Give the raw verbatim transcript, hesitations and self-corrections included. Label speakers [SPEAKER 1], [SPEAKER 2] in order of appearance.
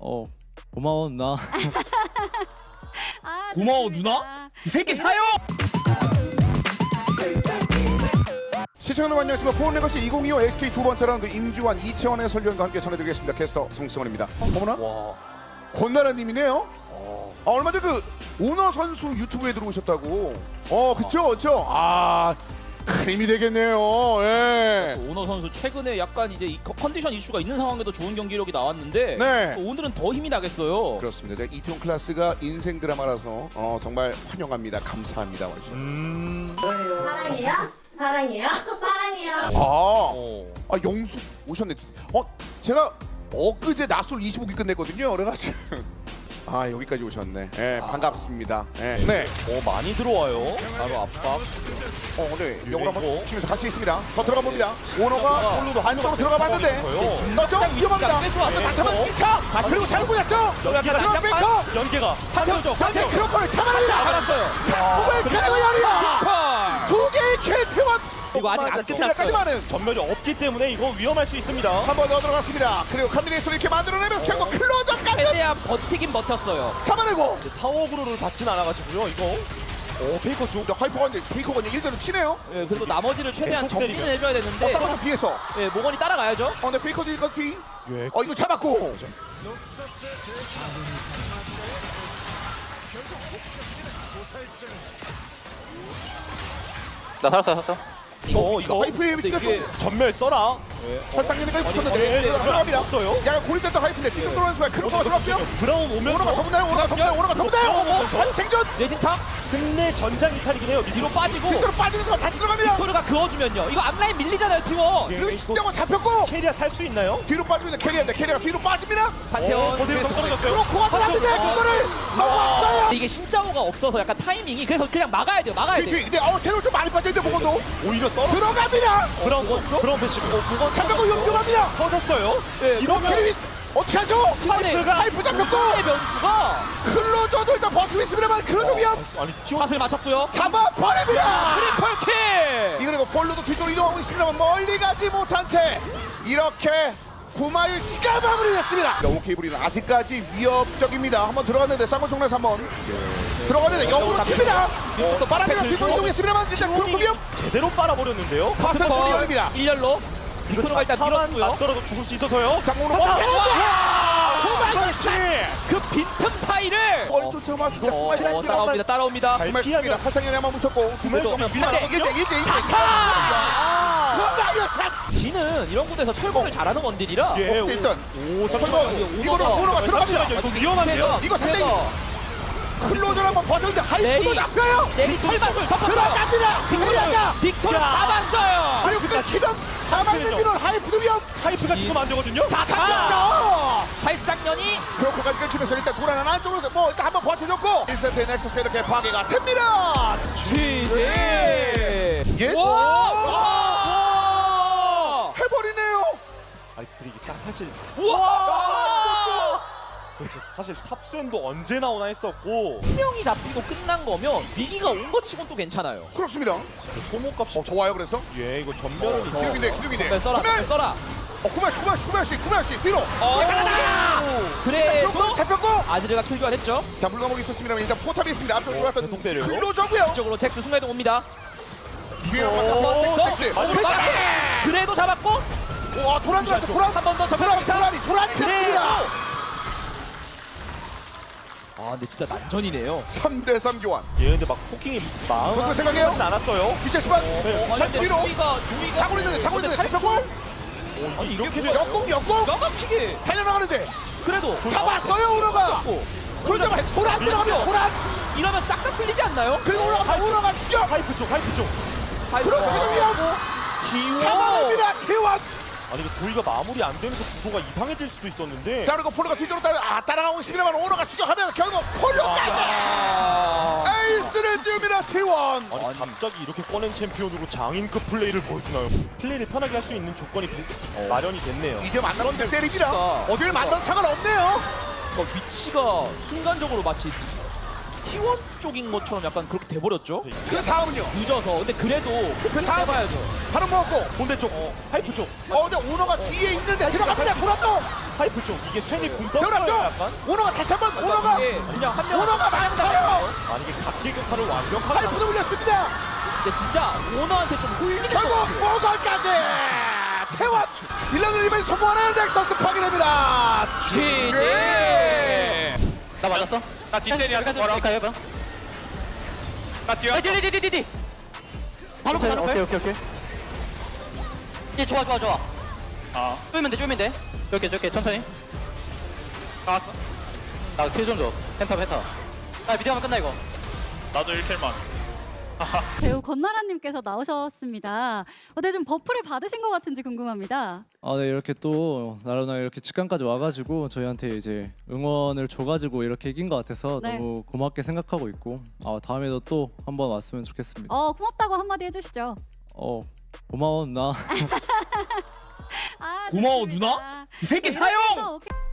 [SPEAKER 1] 어 고마워 누나.
[SPEAKER 2] 아,
[SPEAKER 3] 고마워
[SPEAKER 2] 좋습니다.
[SPEAKER 3] 누나? 이 새끼 사요!
[SPEAKER 4] 시청자 여러분 안녕하십니까. 포원레거시 이천이십오 에스케이 두 번째 라운드 임주환 이채원의 설련과 함께 전해드리겠습니다. 캐스터 성승원입니다. 어머나?
[SPEAKER 3] 와.
[SPEAKER 4] 권나라님이네요. 아, 얼마 전 그 오너 선수 유튜브에 들어오셨다고. 어 그쵸 그쵸. 아 큰 힘이 되겠네요. 예.
[SPEAKER 3] 오너 선수 최근에 약간 이제 이 컨- 컨디션 이슈가 있는 상황에도 좋은 경기력이 나왔는데
[SPEAKER 4] 네.
[SPEAKER 3] 오늘은 더 힘이 나겠어요.
[SPEAKER 4] 그렇습니다. 이태원 클래스가 인생 드라마라서 어, 정말 환영합니다. 감사합니다. 원샷.
[SPEAKER 3] 음.
[SPEAKER 5] 사랑해요? 사랑해요? 사랑해요?
[SPEAKER 4] 아,
[SPEAKER 3] 어.
[SPEAKER 4] 아 영수 오셨네. 어 제가 엊그제 낮술 이십오 기 끝냈거든요. 그래가지고 아 여기까지 오셨네. 예, 반갑습니다. 예. 네.
[SPEAKER 3] 어 많이 들어와요. 바로 압박.
[SPEAKER 4] 어, 네. 영으로 한번
[SPEAKER 3] 이거.
[SPEAKER 4] 치면서 같이 있습니다. 더 들어가 봅니다. 오너가
[SPEAKER 3] 홀로도
[SPEAKER 4] 안쪽으로 들어가 봤는데
[SPEAKER 3] 네,
[SPEAKER 4] 넣죠? 위험합니다.
[SPEAKER 3] 뺏고 왔네.
[SPEAKER 4] 다시 한번 이 차.
[SPEAKER 3] 다시
[SPEAKER 4] 그리고 잘 꽂았죠?
[SPEAKER 3] 연계가
[SPEAKER 4] 그럼 뱅커.
[SPEAKER 3] 연계가 한명죠.
[SPEAKER 4] 현재 크로커를 잡아냅니다.
[SPEAKER 3] 알았어요.
[SPEAKER 4] 정말 캐리어리야.
[SPEAKER 3] 파.
[SPEAKER 4] 두 개의 캐리어만
[SPEAKER 3] 이거 아직 안 끝났어요.
[SPEAKER 4] 까지만은
[SPEAKER 6] 전멸이 없기 때문에 이거 위험할 수 있습니다.
[SPEAKER 4] 한 번 더 들어갔습니다. 그리고 칸드레이스를 이렇게 만들어내면서 결국 클로저까지
[SPEAKER 3] 최대한 버티긴 버텼어요.
[SPEAKER 4] 잡아내고
[SPEAKER 6] 타워그로를 받진 않아가지고요. 이거 어 페이커 쪽
[SPEAKER 4] 하이퍼가 이제 페이커가 이제 일 대로 치네요.
[SPEAKER 3] 예, 그리고 나머지를 최대한
[SPEAKER 6] 네,
[SPEAKER 3] 정리는
[SPEAKER 6] 때리면.
[SPEAKER 3] 해줘야
[SPEAKER 4] 어,
[SPEAKER 3] 되는데
[SPEAKER 4] 좀 뒤에서.
[SPEAKER 3] 예, 모건이 따라가야죠.
[SPEAKER 4] 어, 근데 페이커도 이거 뒤.
[SPEAKER 6] 예.
[SPEAKER 4] 어, 이거 잡았고.
[SPEAKER 1] 나 살았어 살았어.
[SPEAKER 6] 이거
[SPEAKER 4] 이거
[SPEAKER 6] 이거
[SPEAKER 4] 하이프의 위치가
[SPEAKER 3] 이게
[SPEAKER 4] 좀
[SPEAKER 6] 전멸 써라.
[SPEAKER 4] 살상력이
[SPEAKER 6] 아니,
[SPEAKER 4] 붙었는데
[SPEAKER 6] 아니,
[SPEAKER 4] 들어갑니다.
[SPEAKER 6] 없어요.
[SPEAKER 4] 약간 고립됐던 하이프인데 뒤로 들어오는 순간 크로커가 들어왔고요.
[SPEAKER 6] 브라운 오면서
[SPEAKER 4] 오너가 더 붙나요? 오너가 더 붙나요? 오너가 더 붙나요? 생존!
[SPEAKER 3] 레진탕
[SPEAKER 6] 끝내 전장 이탈이긴 해요.
[SPEAKER 3] 뒤로 빠지고
[SPEAKER 4] 뒤로 빠지는 순간 다시 들어갑니다.
[SPEAKER 3] 토르가 그어주면요. 이거 앞라인 밀리잖아요, 팀원.
[SPEAKER 6] 예.
[SPEAKER 4] 그리고 십자가 잡혔고
[SPEAKER 6] 캐리아 살 수 있나요?
[SPEAKER 4] 뒤로 빠지고 있는 캐리어인데 캐리어가 뒤로 빠집니다.
[SPEAKER 3] 판테온.
[SPEAKER 6] 어디로 떨어졌어요?
[SPEAKER 4] 크로커가 들어왔는데 그거를 넘어왔어요.
[SPEAKER 3] 이게 신짜오가 없어서 약간 타이밍이 그래서 그냥 막아야 돼요. 막아야
[SPEAKER 4] 뒤,
[SPEAKER 3] 돼.
[SPEAKER 4] 뒤. 근데 어 제로 좀 많이 빠져있는데 보건도
[SPEAKER 6] 오히려 떨어.
[SPEAKER 4] 들어갑니다.
[SPEAKER 6] 브라운 브라운 패시브.
[SPEAKER 4] 잡혔고 용감합니다.
[SPEAKER 6] 터졌어요.
[SPEAKER 3] 예,
[SPEAKER 6] 이러면
[SPEAKER 4] 캐리 어떻게 하죠?
[SPEAKER 3] 하이프가
[SPEAKER 4] 하이프 잡혔고
[SPEAKER 3] 의 변수가
[SPEAKER 4] 클로저도 일단 버티고 있습니다만 클로저 위험
[SPEAKER 6] 아니 튀어.
[SPEAKER 3] 샷을 맞췄고요.
[SPEAKER 4] 잡아버립니다.
[SPEAKER 3] 트리플 킬.
[SPEAKER 4] 이그리고 볼로도 뒤쪽으로 이동하고 있습니다만 멀리 가지 못한 채 이렇게 구마유 시가 마무리됐습니다. 오케이브리는 아직까지 위협적입니다. 한번 들어갔는데 쌍권 총에서 한번 들어갔는데 역으로 칩니다. 또 바람이랑 뒤쪽으로 이동했습니다만 일단 크로커 위험
[SPEAKER 6] 제대로 빨아버렸는데요.
[SPEAKER 4] 파트 볼이 열립니다.
[SPEAKER 3] 일렬로 이코노가 일단
[SPEAKER 6] 타만
[SPEAKER 3] 밀었고요.
[SPEAKER 6] 맞더라도 죽을 수 있어서요.
[SPEAKER 4] 장문으로
[SPEAKER 3] 와!
[SPEAKER 4] 그렇지.
[SPEAKER 3] 그 빈틈 사이를
[SPEAKER 4] 머리 쫓아왔습니다.
[SPEAKER 3] 어, 어, 따라옵니다. 따라옵니다.
[SPEAKER 4] 구마유입니다. 사상연에 한번 붙였고 구마유
[SPEAKER 3] 그래도
[SPEAKER 4] 쏘면
[SPEAKER 3] 일 대
[SPEAKER 4] 일 대 일 대 일.
[SPEAKER 3] 아!
[SPEAKER 4] 구마유 샷.
[SPEAKER 3] 지는 이런 곳에서 철거를 잘하는 원딜이라
[SPEAKER 6] 예.
[SPEAKER 4] 어, 일단
[SPEAKER 6] 오
[SPEAKER 4] 설거
[SPEAKER 6] 잠시만요.
[SPEAKER 4] 이거는 오너가 들어갑니다.
[SPEAKER 6] 이거 위험한데요.
[SPEAKER 4] 이거 상당히 클로저를 한번 버텼는데 하이프도
[SPEAKER 3] 내리.
[SPEAKER 4] 잡혀요.
[SPEAKER 3] 내리 철반을 덮었어요.
[SPEAKER 4] 들어갑니다. 들어갑니다.
[SPEAKER 3] 빅토르 잡았어요.
[SPEAKER 4] 그리고 그 치면 가만히 있는 하이프도 위험.
[SPEAKER 6] 하이프가 지금 안 되거든요.
[SPEAKER 4] 잡혔죠.
[SPEAKER 3] 살상년이
[SPEAKER 4] 크로커까지 끊기면서 일단 고라는 안쪽으로 뭐 일단 한번 버텨줬고 일 세트의 넥서스가 이렇게 파괴가 됩니다.
[SPEAKER 3] 지지.
[SPEAKER 4] 예?
[SPEAKER 3] 와! 와!
[SPEAKER 4] 해버리네요.
[SPEAKER 6] 아니 그리고 딱 사실
[SPEAKER 3] 와!
[SPEAKER 6] 그렇죠. 사실 탑수엔도 언제 나오나 했었고
[SPEAKER 3] 한 명이 잡히고 끝난 거면 위기가 온 것 치곤 또 괜찮아요.
[SPEAKER 4] 그렇습니다.
[SPEAKER 6] 소모값이
[SPEAKER 4] 어 좋아요 그래서.
[SPEAKER 6] 예 이거 전멸이
[SPEAKER 3] 더.
[SPEAKER 4] 기둥인데 기둥인데.
[SPEAKER 3] 네, 써라,
[SPEAKER 4] 구마유.
[SPEAKER 3] 써라.
[SPEAKER 4] 어 구마유 구마유 구마유 씨 구마유 씨 뒤로.
[SPEAKER 3] 어, 그래도
[SPEAKER 4] 크로커 잡혔고.
[SPEAKER 3] 아즈르가 킬 교환했죠.
[SPEAKER 4] 자 물감옥이 있었습니다만 일단 포탑이 있습니다. 앞으로 돌아왔던
[SPEAKER 6] 계속 때려요?
[SPEAKER 4] 클로저고요.
[SPEAKER 3] 이쪽으로 잭스 순간이동 옵니다.
[SPEAKER 4] 뒤에
[SPEAKER 3] 한
[SPEAKER 4] 한번
[SPEAKER 3] 번
[SPEAKER 4] 더.
[SPEAKER 3] 잭스.
[SPEAKER 4] 잭스.
[SPEAKER 3] 어,
[SPEAKER 4] 잭스.
[SPEAKER 3] 그래도 잡았고
[SPEAKER 4] 와 도란 들어왔어 도란.
[SPEAKER 3] 한 번 더
[SPEAKER 4] 도란이
[SPEAKER 3] 접근합니다.
[SPEAKER 4] 도란이 도란이
[SPEAKER 3] 그래도
[SPEAKER 4] 됐습니다.
[SPEAKER 3] 아 근데 진짜 난전이네요.
[SPEAKER 4] 삼 대 삼 교환.
[SPEAKER 6] 예 근데 막 포킹이 마음
[SPEAKER 4] 그것도 생각해요?
[SPEAKER 6] 않았어요.
[SPEAKER 4] 미션 스팟.
[SPEAKER 6] 네.
[SPEAKER 3] 아니,
[SPEAKER 4] 자
[SPEAKER 3] 근데
[SPEAKER 4] 뒤로.
[SPEAKER 3] 조이가 조이가
[SPEAKER 4] 자고 있는데 자고 있는데 잡혔고.
[SPEAKER 3] 아니
[SPEAKER 6] 이렇게
[SPEAKER 3] 이게
[SPEAKER 6] 돼요?
[SPEAKER 4] 역공 역공.
[SPEAKER 3] 까맣게
[SPEAKER 4] 달려나가는데
[SPEAKER 3] 그래도
[SPEAKER 4] 잡았어요 오너가.
[SPEAKER 3] 잡고
[SPEAKER 4] 그러자 도란 들어가면 도란.
[SPEAKER 3] 이러면 싹 다 쓸리지 않나요?
[SPEAKER 4] 그리고 올라가 오너가 죽여.
[SPEAKER 6] 하이프 쪽 하이프 쪽.
[SPEAKER 4] 그럼 그냥
[SPEAKER 3] 기워
[SPEAKER 4] 잡아냅니다 티원.
[SPEAKER 6] 아니 이거 조이가 마무리 안 되면서 구도가 이상해질 수도 있었는데.
[SPEAKER 4] 자 그리고 폴로가 뒤쪽으로 따라 아 따라가고 있습니다만 오너가 추격하면서 결국 폴로까지
[SPEAKER 3] 아,
[SPEAKER 4] 에이스를 띄웁니다 티원.
[SPEAKER 6] 아니 갑자기 이렇게 꺼낸 챔피언으로 장인급 플레이를 보여주나요? 플레이를 편하게 할 수 있는 조건이 부- 마련이 됐네요.
[SPEAKER 4] 이제 만나면 될 때리지라.
[SPEAKER 3] 진짜.
[SPEAKER 4] 어딜 만나도 상관없네요.
[SPEAKER 3] 그 위치가 순간적으로 마치 티원 쪽인 것처럼 약간 그렇게 돼버렸죠.
[SPEAKER 4] 그 다음은요.
[SPEAKER 3] 늦어서. 근데 그래도
[SPEAKER 4] 그 다음
[SPEAKER 3] 해봐야죠.
[SPEAKER 4] 바로 먹고.
[SPEAKER 6] 본대 쪽, 하이프 쪽,
[SPEAKER 4] 어, 근데 오너가 뒤에 있는데 들어갑니다. 보라도.
[SPEAKER 6] 하이프 쪽. 이게 쇠니 궁 떴어요.
[SPEAKER 4] 들어갔죠.
[SPEAKER 6] 약간.
[SPEAKER 4] 오너가 다시 한번 오너가.
[SPEAKER 3] 이게 그냥 한 명.
[SPEAKER 4] 오너가 많아요.
[SPEAKER 6] 아니 이게 각계격파를 완벽하게
[SPEAKER 4] 파이프도 올렸습니다.
[SPEAKER 3] 근데 진짜 오너한테 좀 홀리는 것
[SPEAKER 4] 결국
[SPEAKER 3] 같아요.
[SPEAKER 4] 모설까지 태원 빌런을 이번에 소모하는 넥서스 파괴됩니다.
[SPEAKER 1] 지지. 나 맞았어?
[SPEAKER 2] 나 뒷자리야. 뭐라?
[SPEAKER 1] 가요 봐.
[SPEAKER 2] 나 뛰어.
[SPEAKER 1] 디디디디디. 바로 바로 오케이 오케이 오케이. 예 좋아 좋아 좋아.
[SPEAKER 2] 아,
[SPEAKER 1] 쪼이면 돼 쪼이면 돼. 저렇게 저렇게 천천히.
[SPEAKER 2] 나왔어.
[SPEAKER 1] 나킬좀 줘. 펜타 펜타. 아 미드하면 끝나 이거.
[SPEAKER 2] 나도 일 킬만.
[SPEAKER 7] 배우 권나라님께서 나오셨습니다. 어때 좀 버프를 받으신 것 같은지 궁금합니다.
[SPEAKER 1] 아, 네 이렇게 또 나로나 이렇게 직관까지 와가지고 저희한테 이제 응원을 줘가지고 이렇게 이긴 것 같아서
[SPEAKER 7] 네.
[SPEAKER 1] 너무 고맙게 생각하고 있고 아 다음에도 또 한번 왔으면 좋겠습니다.
[SPEAKER 7] 어 고맙다고 한마디 해주시죠.
[SPEAKER 1] 어 고마워 누나.
[SPEAKER 7] 아,
[SPEAKER 3] 고마워,
[SPEAKER 7] 좋습니다.
[SPEAKER 3] 누나? 이 새끼
[SPEAKER 7] 네,
[SPEAKER 3] 사형!
[SPEAKER 7] 이러면서 오케이.